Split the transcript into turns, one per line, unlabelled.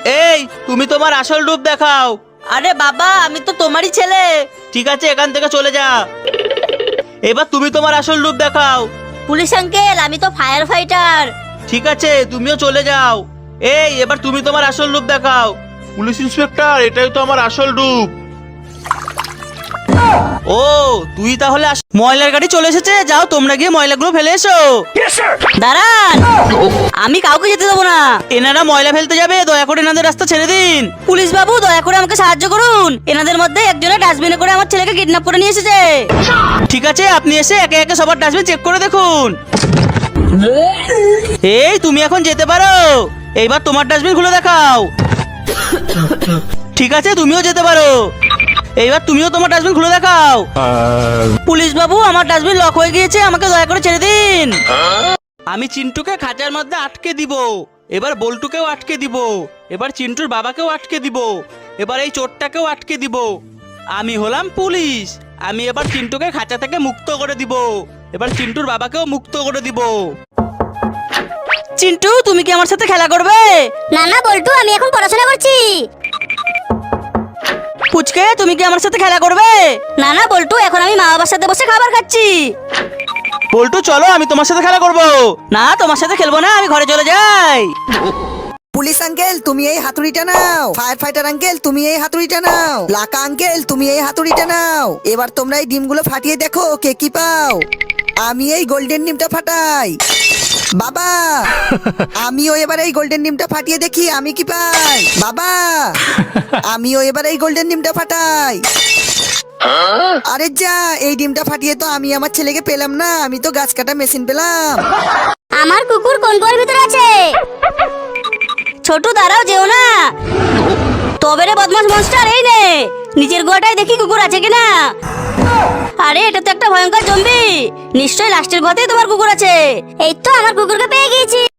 এই তুমি তোমার আসল রূপ দেখাও।
আরে বাবা, আমি তো তোমারই ছেলে।
ঠিক আছে, এখান থেকে চলে যা। এবার তুমি তোমার আসল রূপ দেখাও।
পুলিশ আঙ্কেল, আমি তো ফায়ার ফাইটার।
ঠিক আছে, তুমিও চলে যাও। এই এবার তুমি তোমার আসল রূপ দেখাও।
পুলিশ ইন্সপেক্টর, এটাই তো আমার আসল রূপ।
ও তুই তাহলে ময়লার গাড়ি চলে এসেছে, যাও তোমরা গিয়ে ময়লাগুলো ফেলে এসো।
দাঁড়ান, আমি কাউকে যেতে দেবো না।
এনারা ময়লা ফেলতে যাবে, দয়া করে এনাদের রাস্তা ছেড়ে দিন।
পুলিশ বাবু, দয়া করে আমাকে সাহায্য করুন। এনাদের মধ্যে একজনের ডাস্টবিনে করে আমার ছেলেকে কিডন্যাপ করে নিয়ে এসেছে।
ঠিক আছে, আপনি এসে একে একে সবার ডাস্টবিন চেক করে দেখুন। এই তুমি এখন যেতে পারো। এইবার তোমার ডাস্টবিন খুলে দেখাও। ঠিক আছে, তুমিও যেতে পারো। এইবার তুমিও তোমার ডাস্টবিন খুলে দেখাও। পুলিশ বাবু, আমার ডাস্টবিন লক হয়ে গিয়েছে, আমাকে দয়া করে ছেড়ে দিন। আমি চিন্টুকে খাঁচার মধ্যে আটকে দিব। এবার বল্টুকেও আটকে দিব। এবার চিন্টুর বাবাকেও আটকে দিব। এবার এই চোরটাকেও আটকে দিব। আমি হলাম পুলিশ। আমি এবার চিন্টুকে খাঁচা থেকে মুক্ত করে দিব। এবার চিন্টুর বাবাকেও মুক্ত করে দিব। চিন্টু, তুমি কি আমার সাথে খেলা করবে?
না না বল্টু, আমি এখন পড়াশোনা করছি।
পুচকে, তুমি কি আমার সাথে খেলা করবে?
না না বল্টু, এখন আমি মা বাবার সাথে বসে খাবার খাচ্ছি।
বল্টু চলো, আমি তোমার সাথে খেলা করব। না, তোমার সাথে খেলবো না, আমি ঘরে চলে যাই।
পুলিশ আঙ্কেল, তুমি এই হাতুড়িটা নাও। ফায়ার ফাইটার আঙ্কেল, তুমি এই হাতুড়িটা নাও। লাকা আঙ্কেল, তুমি এই হাতুড়িটা নাও। এবার তোমরা এই ডিমগুলো ফাটিয়ে দেখো কে কি পাও। আমি এই গোল্ডেন ডিমটা ফাটাই। বাবা, আমিও এবার এই গোল্ডেন ডিমটা ফাটিয়ে দেখি আমি কি পাই। বাবা, আমিও এবার এই গোল্ডেন ডিমটা ফাটাই। আরে যা, এই ডিমটা ফাটিয়ে তো আমি আমার ছেলেকে পেলাম না, আমি তো গাছ কাটা মেশিন পেলাম।
আমার কুকুর কোন কুয়োর ভিতরে আছে?
ছোটু দাঁড়াও, যেও না। তবে রে বদমাস মনস্টার, এই নে নিজের গোয়াটায় দেখি কুকুর আছে কিনা। আরে এটা তো একটা ভয়ঙ্কর জম্বি। নিশ্চয়ই লাস্টের ঘরেই তোমার কুকুর আছে।
এই তো আমার কুকুরকে পেয়ে গিয়েছি।